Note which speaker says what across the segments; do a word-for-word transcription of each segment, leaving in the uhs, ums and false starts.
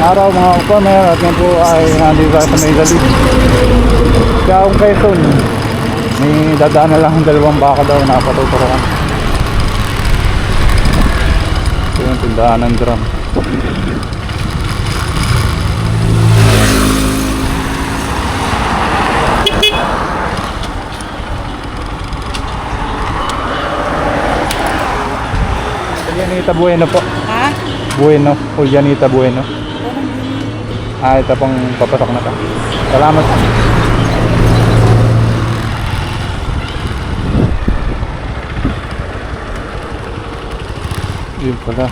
Speaker 1: araw mga upamer, at yan po ay nandito tayo sa Maydali. Kaya kung Quezon, may dadaan na lang ang dalawang baka daw na patuturuan. Ito yung tindahan ng drum. Julianita Bueno po.
Speaker 2: Ha?
Speaker 1: Bueno, Julianita Bueno. Ah, ito pong papasok na to. Salamat. Yun pala.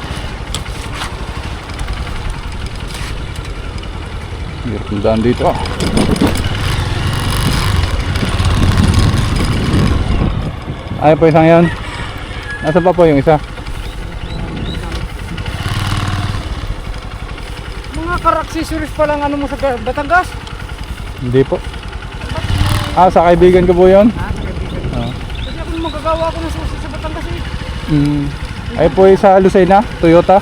Speaker 1: Hirap ng daan dito. Ayun po isang yan. Nasaan pa po yung isa?
Speaker 2: Mga car-accessories pa lang ano mo sa Batangas?
Speaker 1: Hindi po. Ah, sa kaibigan ko po yun.
Speaker 2: Ha? Kaibigan.
Speaker 1: Oh.
Speaker 2: Kasi ako nung magagawa ko ng susi sa Batangas eh.
Speaker 1: Mm. Ay po yung sa Lucena, Toyota.
Speaker 2: Ah.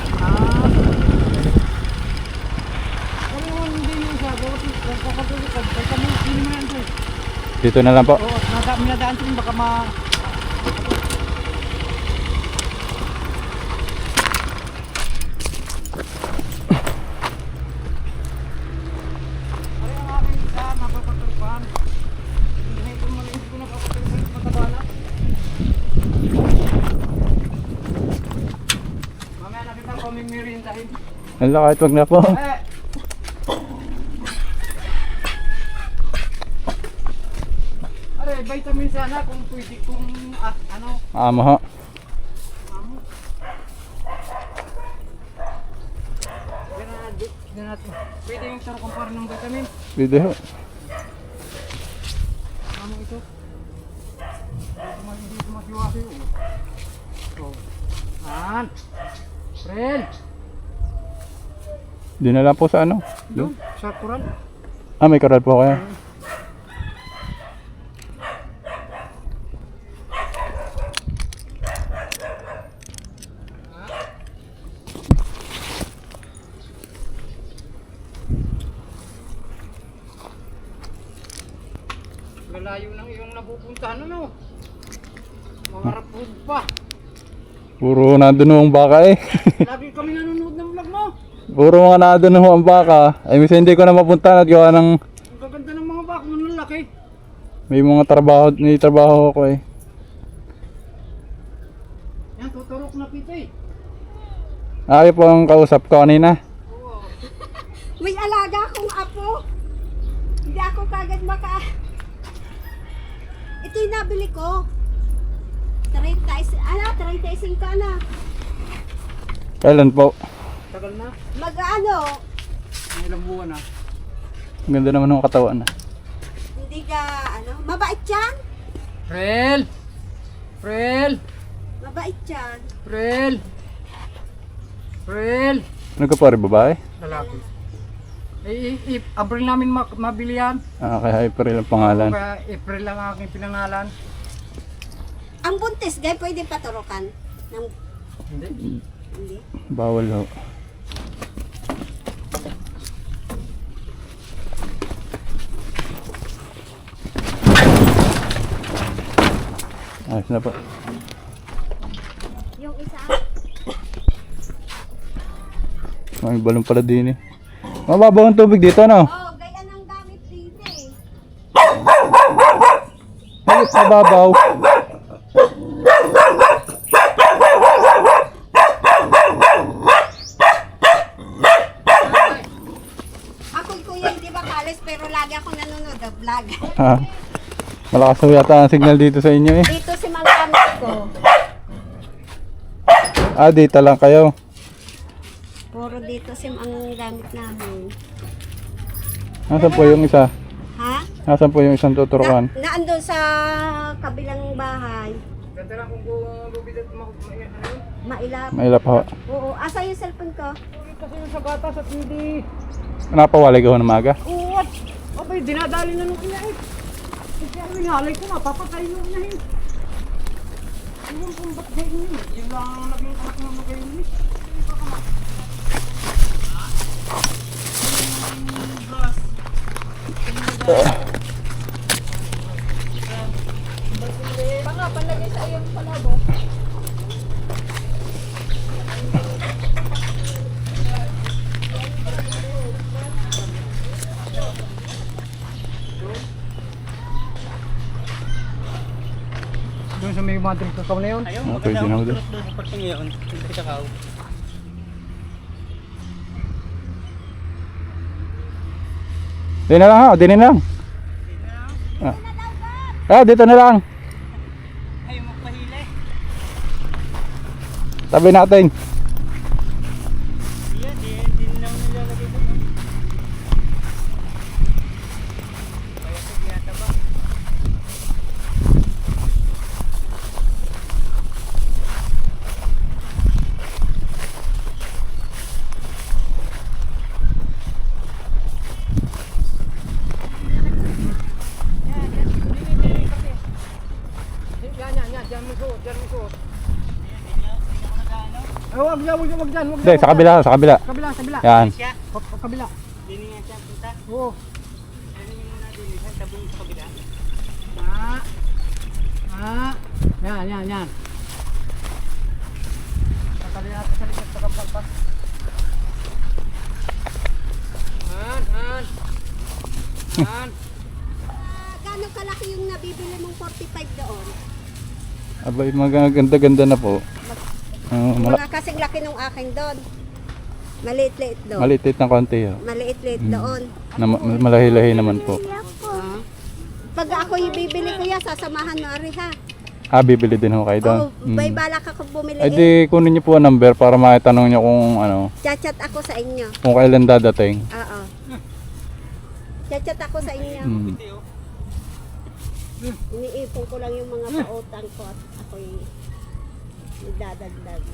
Speaker 2: Ano yung hindi nyo siya? Bakit yung kakatuloy ka? Kaya kami, hindi mo yan doon.
Speaker 1: Dito na lang po.
Speaker 2: Oo, nadaan nadaan ko baka ma... Ano yung aking isa, mapapagturpan? Hindi ko malinis ko napapagturpan sa Patabana. Mamaya nakita ko may merindahin.
Speaker 1: Hala, kahit wag na po.
Speaker 2: Eh! Are, vitamin sana kung pwede kung ah, ano,
Speaker 1: Amo ho.
Speaker 2: amo. Gana, di natin. Pwede yung saro kumpara ng vitamin.
Speaker 1: Video.
Speaker 2: Amo ito. Hindi mo hindi ko masiwasi. So, an. Friend.
Speaker 1: Di na lang po sa ano.
Speaker 2: Doon, sa kural.
Speaker 1: Ah, may karal po kayo.
Speaker 2: Lalayo ng iyong napupuntahan ano. Mga rapod pa.
Speaker 1: Puro nandun ho ang baka eh.
Speaker 2: Lagi kami nanonood ng vlog mo.
Speaker 1: Puro mga nandun ho ang baka. Ay, minsan hindi ko na mapunta at gawa ng
Speaker 2: Ang gaganda ng mga bako ng lalaki.
Speaker 1: may mga trabaho, may trabaho ko eh.
Speaker 2: Yan, tuturok na pito eh.
Speaker 1: Ay po ang kausap ko kanina.
Speaker 2: Oo.
Speaker 3: May alaga akong apo. Hindi ako kagad maka... Ito yung nabili ko. thirty, ano, thirty-five ka na.
Speaker 1: Kailan po?
Speaker 2: Tagal na.
Speaker 3: Mag-ano,
Speaker 2: Ang ilang buwan na.
Speaker 1: Ang ganda naman ng katawan ah.
Speaker 3: hindi ka, ano, mabait yan.
Speaker 2: Prel! Prel!
Speaker 3: Mabait yan.
Speaker 2: Prel! Prel!
Speaker 1: Ano ka po rin, babae?
Speaker 2: Lalaki. Eh, i- i- April namin ma- mabili yan.
Speaker 1: Ah, kay April ang pangalan.
Speaker 2: Kaya April lang ang aking pinangalan.
Speaker 3: Ang buntis, gay, pwede paturukan. Ng,
Speaker 2: Hindi.
Speaker 3: hindi.
Speaker 1: Bawal ho. Ayos na po.
Speaker 3: Yung isa,
Speaker 1: May balon pala din eh. Mababaw ang tubig dito, no?
Speaker 3: oh, gaya ng gamit dito eh.
Speaker 1: Ay, mababaw.
Speaker 3: Ako'y kuya, hindi ba kalis, pero lagi ako nanonood ng vlog.
Speaker 1: Ha? Malakas na yata ang signal dito sa inyo eh.
Speaker 3: Dito si Malkamit ko.
Speaker 1: Ah, dito lang kayo.
Speaker 3: Puro dito sim ang gamit namin.
Speaker 1: Nasaan po yung isa?
Speaker 3: Ha?
Speaker 1: Nasaan po yung isang tuturuan?
Speaker 3: Na, naandun sa kabilang bahay.
Speaker 2: Ganda lang kung bubidad mo. Ano yun?
Speaker 3: Mailap.
Speaker 1: Mailap ho.
Speaker 3: Oo, asa yung cellphone ko?
Speaker 2: Kasi yung sa gatas at hindi.
Speaker 1: Napawalay ko ng maga.
Speaker 2: Oo, at abay, dinadali na nung ina eh. Kasi ang inalay ko nga, papatay nung ina eh. Iwan kung ba't ganyan yun. Yun lang ang naging anak ng mga ganyan eh.
Speaker 3: Panga, panlagay sa iyong palabo.
Speaker 2: Doon sa may madrong kakao na yun.
Speaker 4: Ayaw,
Speaker 1: Ah,
Speaker 4: maganda
Speaker 1: pwede na
Speaker 4: ang
Speaker 1: ulit.
Speaker 4: tulot doon sa parking ngayon. Hindi kakao.
Speaker 1: Di na lang ha, di na lang. Ah, ah dito na lang.
Speaker 4: Ayaw magpahila eh.
Speaker 1: Tabi natin.
Speaker 4: Iya, di, di na naman nilalagay doon. Kaya sa biyata ba?
Speaker 2: Yan, yan, yan. Diyan mo suot, diyan mo suot. Eh, wag dyan, wag dyan, wag dyan. wag
Speaker 1: Hindi,
Speaker 2: dyan,
Speaker 1: sa
Speaker 2: wag
Speaker 1: kabila, sa kabila.
Speaker 2: dyan. Kabila, kabila.
Speaker 1: Yan.
Speaker 4: Siya,
Speaker 2: Ka- ka- Kabila.
Speaker 4: hindi nga siya punta.
Speaker 2: Oo.
Speaker 4: Ano yung muna din, isang tabong sa kabila.
Speaker 2: Ah. Ah. Yan, yan, yan. Tatali natin sa likod sa kampalpas. Han, han. Han.
Speaker 3: Ah, gano'ng kalaki yung nabibili mong forty-five doon?
Speaker 1: Abay, maganda-ganda na po. Uh, mala-
Speaker 3: Mga kasing laki nung akin doon. Maliit-liit doon.
Speaker 1: maliit ng konti. Oh.
Speaker 3: Maliit-liit
Speaker 1: Hmm.
Speaker 3: doon.
Speaker 1: Na, malahi-lahi naman po.
Speaker 3: Ah. Pag ako yung bibili kuya, sasamahan mo ari ha.
Speaker 1: Ah, bibili din ho kayo doon.
Speaker 3: Oh, may balak ako bumili
Speaker 1: Ay
Speaker 3: eh.
Speaker 1: di, kunin niyo po ang number para makitanong niyo kung ano,
Speaker 3: Chat-chat ako sa inyo.
Speaker 1: kung kailan dadating.
Speaker 3: Oo. Chat-chat ako sa inyo.
Speaker 1: Hmm.
Speaker 3: Iniipon ko lang yung mga pautang ko at ako'y nagdadagdag.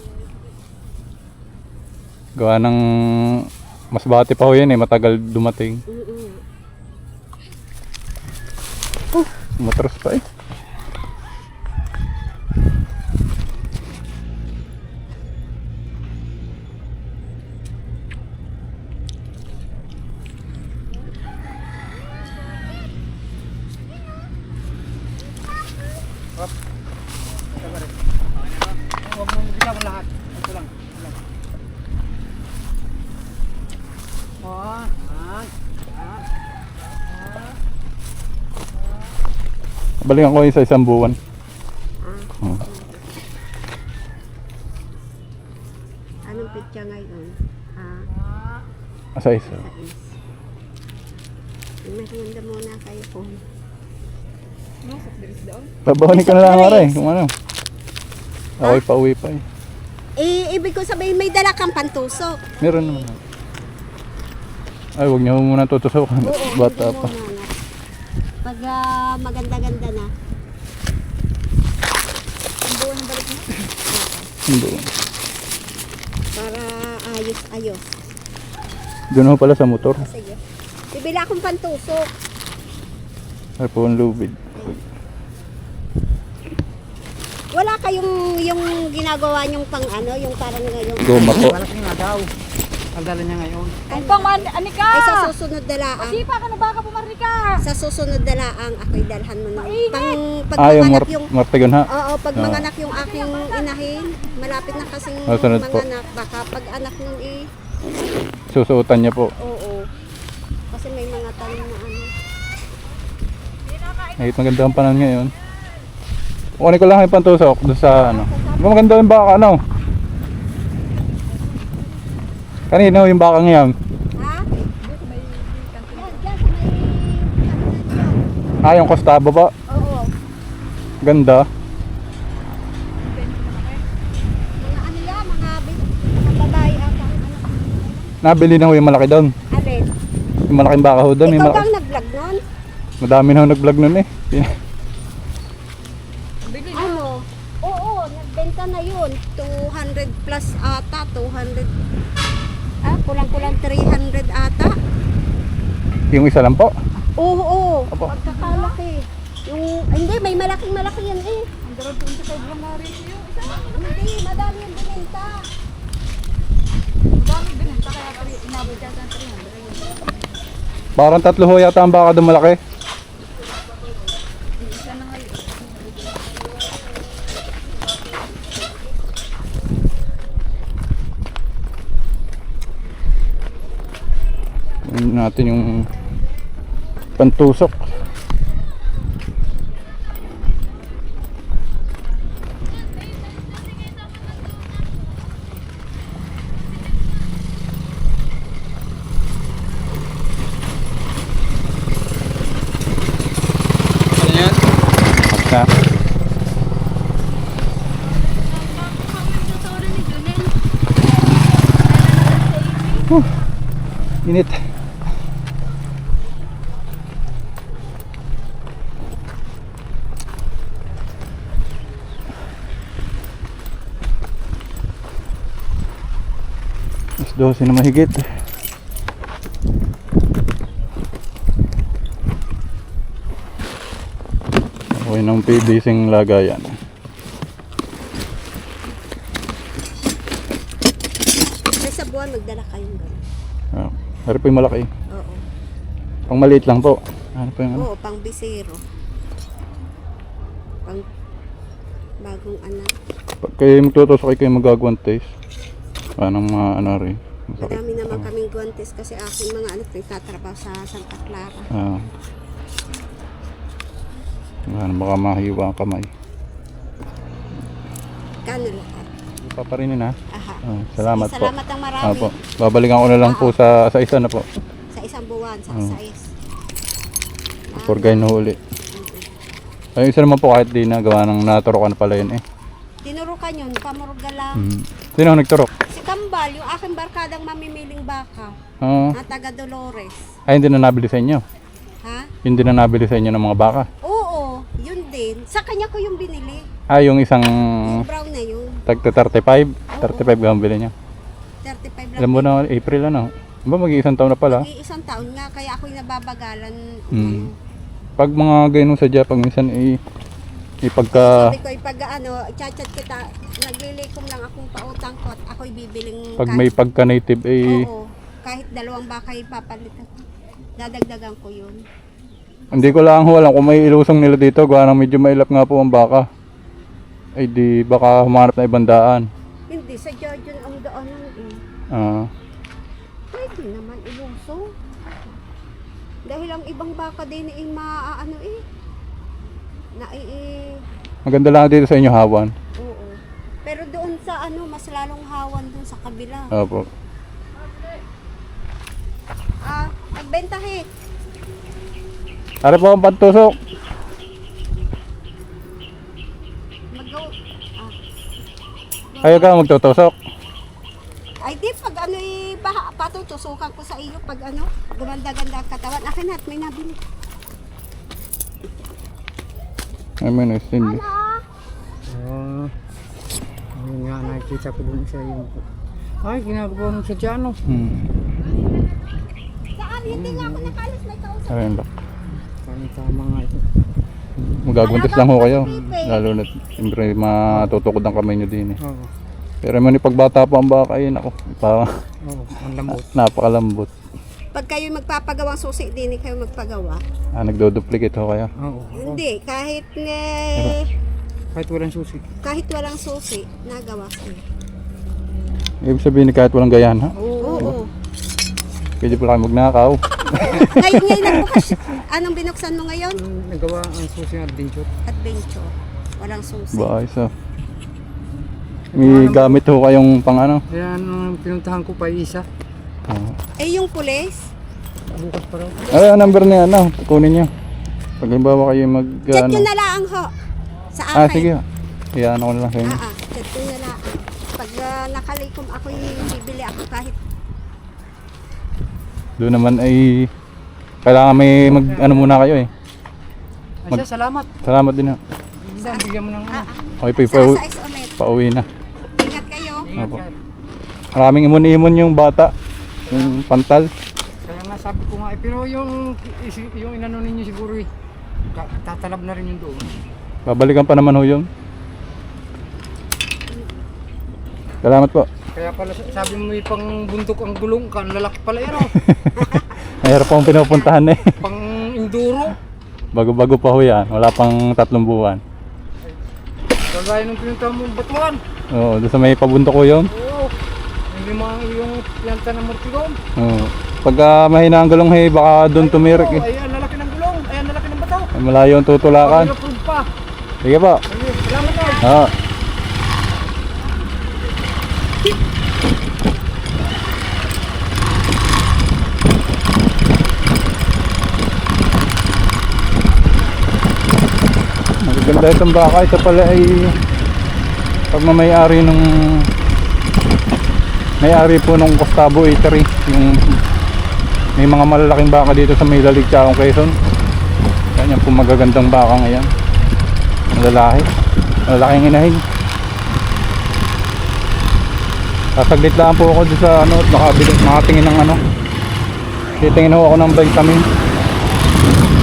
Speaker 1: Gawa ng mas bati pa ho yan eh, matagal dumating.
Speaker 3: Mm-mm.
Speaker 1: Matras pa eh.
Speaker 2: Huwag mo bigyan mo lahat. Ito lang. ito lang. Oh, han. Han.
Speaker 1: Balikan ko yun sa isang buwan.
Speaker 3: Ah.
Speaker 1: Hmm.
Speaker 3: Anong pitya ngayon? Ah,
Speaker 1: Sa isa.
Speaker 3: merienda muna kayo po.
Speaker 1: Babawanin ka na lang mara eh, kung ano. Ako'y pauwi pa eh.
Speaker 3: Eh, ibig ko sabihin may dala kang pantusok.
Speaker 1: Meron naman. Ay, huwag niyo muna tutusukan. Bata
Speaker 3: hindi
Speaker 1: pa.
Speaker 3: muna, no? Pag ah, maganda-ganda na. Ang buwan ng balik mo?
Speaker 1: Hindi.
Speaker 3: Para ayos-ayos.
Speaker 1: Doon ho pala sa motor.
Speaker 3: Sige. Bibili akong pantusok.
Speaker 1: Ay po ang lubid.
Speaker 3: Wala kayong yung ginagawa nyong pang ano, yung parang ngayon.
Speaker 1: Goma po.
Speaker 2: Malaking nga daw. Ang dala niya ngayon.
Speaker 3: Ay,
Speaker 5: Pang man, ani ka!
Speaker 3: ay sa susunod na laang.
Speaker 5: Sipa ka na baka pumarli ka!
Speaker 3: Sa susunod na laang ako'y dalhan mo ng
Speaker 5: Mainit!
Speaker 3: pang pag
Speaker 1: Ah, yung
Speaker 3: manganak
Speaker 1: mar-
Speaker 3: yung
Speaker 1: martigon ha?
Speaker 3: Oo, pag
Speaker 1: Oo.
Speaker 3: manganak yung aking inahin, malapit na kasing
Speaker 1: Ah, sunod po.
Speaker 3: manganak. Baka pag anak nun eh,
Speaker 1: Susuotan niya po.
Speaker 3: oo. Kasi may mga tanim na ano.
Speaker 1: Kahit maganda ang panahon ngayon. Kunin ko lang yung pantusok doon sa ano. Maganda yung baka ano. Kanina yung baka ngayon.
Speaker 3: Ha? Yan, dyan sa may... ano
Speaker 1: Ah, yung kostaba ba?
Speaker 3: Oo.
Speaker 1: Ganda.
Speaker 3: Mga ano yan, mga, bi- mga babae ata. Ano?
Speaker 1: Nabili na ho yung malaki doon.
Speaker 3: Alin?
Speaker 1: Yung malaking baka ho doon. May
Speaker 3: Ikaw
Speaker 1: malaki.
Speaker 3: bang nag-vlog nun?
Speaker 1: Madami na ho nag-vlog nun eh.
Speaker 3: Ano? Oo, nagbenta na yun. two hundred plus ata, two hundred. Ah, kulang-kulang three hundred ata.
Speaker 1: Yung isa lang po.
Speaker 3: Oo, oo.
Speaker 1: Apo.
Speaker 3: Pagkakalaki. Yung, hindi, may malaking malaki yan eh.
Speaker 5: Ang darad doon sa kay Blamari yung isa.
Speaker 3: Hindi, madami yung binenta.
Speaker 5: Dami binenta kaya kami inabot siya sa three hundred.
Speaker 1: Parang tatlo ho yata ang baka doon malaki. Tingnan natin yung pantusok. Basta. Huh, init. Mas dose na mahigit. Okay ng P V C-ng lagayan.
Speaker 3: Ay, sa buwan, magdala kayong gano'n.
Speaker 1: Ah, pero po yung malaki.
Speaker 3: Oo.
Speaker 1: Pang maliit lang po. Ano po yung ano?
Speaker 3: Oo, pang bisero. Pang bagong anak.
Speaker 1: Pag kayo magtutusok kayo magagawang taste. Anong mga ano rin. Masakit.
Speaker 3: Marami naman kaming guantes kasi aking mga anak nagtatrabaho sa Santa Clara.
Speaker 1: Ah. Ano, baka mahiwa ang kamay.
Speaker 3: Kano lahat?
Speaker 1: Paparinin ha.
Speaker 3: Aha.
Speaker 1: Ah, salamat
Speaker 3: Sige,
Speaker 1: po.
Speaker 3: salamat ang marami.
Speaker 1: Opo. Babalikan ko na lang po sa sa isa na po.
Speaker 3: Sa isang buwan, sa
Speaker 1: Oo.
Speaker 3: sais.
Speaker 1: For guy na huli. Ay, isa naman po kahit di na gawa ng naturokan na pala yun eh.
Speaker 3: Tinurukan yun, pamurga lang.
Speaker 1: Hmm. Sino ang nagturok?
Speaker 3: Si Kambal, yung aking barkadang mamimiling baka,
Speaker 1: Ah,
Speaker 3: na taga Dolores.
Speaker 1: ay, hindi na nabili sa inyo.
Speaker 3: Ha?
Speaker 1: Hindi na nabili sa inyo ng mga baka.
Speaker 3: Oo, yun din. Sa kanya ko yung binili.
Speaker 1: Ah, yung isang
Speaker 3: Yung brown na yun.
Speaker 1: tagta thirty-five. thirty-five ang bili niya.
Speaker 3: thirty-five lang.
Speaker 1: Alam mo na, April ano. Ba, mag-iisang taon na pala.
Speaker 3: Isang taon nga, kaya ako'y nababagalan.
Speaker 1: Hmm. Pag mga ganun sa Japan, minsan i ipagka
Speaker 3: Sabi ko, pag ano, chat-chat kita, naglilikom lang akong pautang ko at ako'y bibiling
Speaker 1: pag may pagka native eh
Speaker 3: Oo, kahit dalawang bakay papalitan. Dadagdagan ko yun.
Speaker 1: hindi ko lang ho alam kung may ilusong nila dito, gawa ng medyo mailap nga po ang baka. Ay di baka humanap na ibang daan.
Speaker 3: Hindi, sa Georgian ang daanan eh.
Speaker 1: Ah,
Speaker 3: Pwede naman ilusong. Dahil ang ibang baka din eh, maaano eh. Na eh,
Speaker 1: maganda lang dito sa inyo hawan.
Speaker 3: oo. Pero doon sa ano, mas lalong hawan doon sa kabila.
Speaker 1: Opo.
Speaker 3: Ah, nagbenta he.
Speaker 1: Ari po ang pantusok.
Speaker 3: Mag-go. Ah.
Speaker 1: Ayaw ka magtutusok.
Speaker 3: Ay di, pag ano eh, baha, patutusukan ko sa iyo pag ano, gumanda-ganda ang katawan. Akin at may nabili.
Speaker 1: I mean, it's hindi.
Speaker 2: Oo. Ayun nga, nakikita ko dun sa iyo. Ay, ginagawa mo sa Diano.
Speaker 1: Hmm.
Speaker 3: Saan? Hindi nga ako nakalis, may kausap.
Speaker 1: Ayun ba.
Speaker 2: Parang tama nga ito.
Speaker 1: Magagundis lang ho kayo. Lalo na siyempre matutukod ang kamay nyo din eh.
Speaker 2: Oo.
Speaker 1: Pero man pagbata po ang baka yun ako. Parang
Speaker 2: Oo, ang lambot.
Speaker 1: napakalambot.
Speaker 3: Pag kayo magpapagawang susi, din kayo magpagawa.
Speaker 1: Ah, nagdo-duplicate ho kayo.
Speaker 2: Oo. oo.
Speaker 3: Hindi, kahit eh,
Speaker 2: Kahit walang susi.
Speaker 3: kahit walang susi, nagawa ko.
Speaker 1: Ibig sabihin kahit walang gayan ha.
Speaker 3: Oo. Oo.
Speaker 1: Pwede pala kayo magnakaw.
Speaker 3: Ngayon, ngayon nagbukas. Anong binuksan mo ngayon?
Speaker 2: Ang nagawa ang susi ng adventure.
Speaker 3: Adventure. Walang susi.
Speaker 1: Ba, isa. May gamit ho kayong pang ano.
Speaker 2: Kaya nung pinuntahan ko pa isa,
Speaker 1: Ah.
Speaker 3: Eh, yung pulis,
Speaker 2: bukas pa raw.
Speaker 1: Ay, ang number niya ano, kunin niyo. Pag halimbawa kayo mag
Speaker 3: chat
Speaker 1: ano.
Speaker 3: nyo na lang ho. Sa akin.
Speaker 1: Ah, sige. Iyan ako na lang sa inyo.
Speaker 3: Ah, ah, chat nyo na lang. Pag uh, nakalikom ako, bibili ako kahit
Speaker 1: Doon naman ay kailangan may mag ano muna kayo eh.
Speaker 2: Ay, siya, salamat.
Speaker 1: Salamat din ha.
Speaker 2: Isa, bigyan mo ng ano.
Speaker 1: Okay, pa,
Speaker 3: sa
Speaker 1: pa,
Speaker 3: size ulit.
Speaker 1: pauwi na.
Speaker 3: Ingat kayo.
Speaker 2: Ingat
Speaker 1: Opo.
Speaker 2: ka.
Speaker 1: Maraming imon-imon yung bata. Yung pantal.
Speaker 2: Kaya nga sabi ko nga, eh, pero yung, isi- yung inano ninyo siguro eh, ka- tatalab na rin yung doon.
Speaker 1: Babalikan pa naman ho yun. Salamat po.
Speaker 2: Kaya pala sabi mo may pang bundok ang gulong ka, ang lalaki pala yun oh.
Speaker 1: Mahirap pong pinupuntahan eh.
Speaker 2: Pang enduro.
Speaker 1: Bago-bago pa ho yan. Wala pang tatlong buwan.
Speaker 2: Kagaya nung pinunta mong batuan.
Speaker 1: Oo, doon sa may pabundok ko yun.
Speaker 2: Oo. Hindi mga yung planta ng Mortigong.
Speaker 1: Oo. Pagka mahina ang gulong hey, baka doon tumirik eh.
Speaker 2: Ay, ang lalaki ng gulong. Ay, ang lalaki ng bataw.
Speaker 1: Ay, malayo ang tutulakan.
Speaker 2: Pag-approve pa.
Speaker 1: Sige po.
Speaker 2: Ay, salamat na.
Speaker 1: Oo. Maganda itong baka. Ito pala ay pagmamayari nung may-ari po nung Gustavo Eatery. Yung may mga malalaking baka dito sa may Lalig Chaong Quezon. Yan yung po magagandang baka ngayon. Ang lalaki. Malalaking inahin. Sasaglit lang po ako dito sa ano, nakabili, nakatingin ng ano. Titingin ho ako ng vitamin.